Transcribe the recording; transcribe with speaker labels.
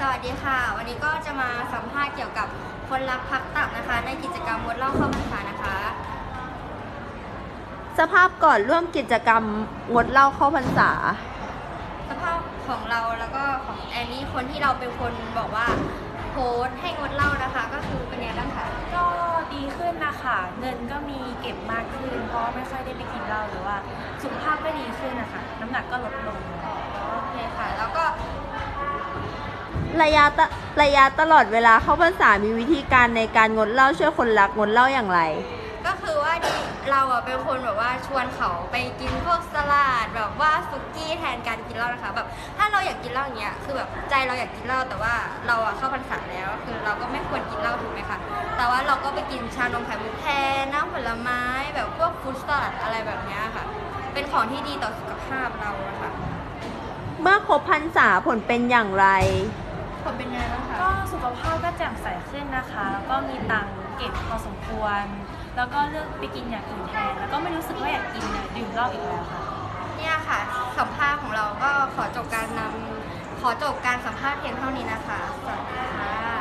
Speaker 1: วัสดีค่ะวันนี้ก็จะมาสัมภาษณ์เกี่ยวกับคนรักพักตับนะคะในกิจกรรมงดเหล้าเข้าพรรษานะคะ
Speaker 2: สภาพก่อนร่วมกิจกรรมงดเหล้าเข้าพรรษา
Speaker 1: สภาพของเราแล้วก็ของแอนนี่คนที่เราเป็นคนบอกว่าโพสต์ให้งดเหล้านะคะก็คือเป็นไงบ้างคะ
Speaker 3: ก็ดีขึ้นนะคะเงินก็มีเก็บมากขึ้นเพราะไม่ค่อยได้ไปกินเหล้าหรือว่าสุขภาพก็ดีขึ้นนะคะน้ำหนักก็ลดลง
Speaker 1: โอเคค่ะแล้วก็
Speaker 2: ระยะตลอดเวลาเข้าพรรษามีวิธีการในการงดเหล้าช่วยคนรักงดเหล้าอย่างไร
Speaker 1: ก็คือว่าเราเป็นคนแบบว่าชวนเขาไปกินพวกสลัดแบบว่าสุกี้แทนการกินเหล้านะคะแบบถ้าเราอยากกินเหล้าอย่างเงี้ยคือแบบใจเราอยากกินเหล้าแต่ว่าเราเข้าพรรษาแล้วคือเราก็ไม่ควรกินเหล้าถูกไหมคะแต่ว่าเราก็ไปกินชานมไข่มุกแทนน้ำผลไม้แบบพวกฟรุตสลัดอะไรแบบเนี้ยค่ะเป็นของที่ดีต่อสุขภาพเราอะค่ะ
Speaker 2: เมื่อครบพรรษาผลเป็นอย่างไร
Speaker 1: ผลเป็นยังไงบ้างคะ
Speaker 3: ก็สุขภาพก็แจ่มใสขึ้นนะคะแล้วก็มีตังค์เก็บพอสมควรแล้วก็เลือกไปกินอย่างอื่นแทนแล้วก็ไม่รู้สึกว่าอยากกินดื่มเหล้าอีกแล้วค่ะ
Speaker 1: เนี่ยค่ะสัมภาษณ์ของเราก็ขอจบการสัมภาษณ์เพียงเท่านี้นะคะสวัสดีค่ะ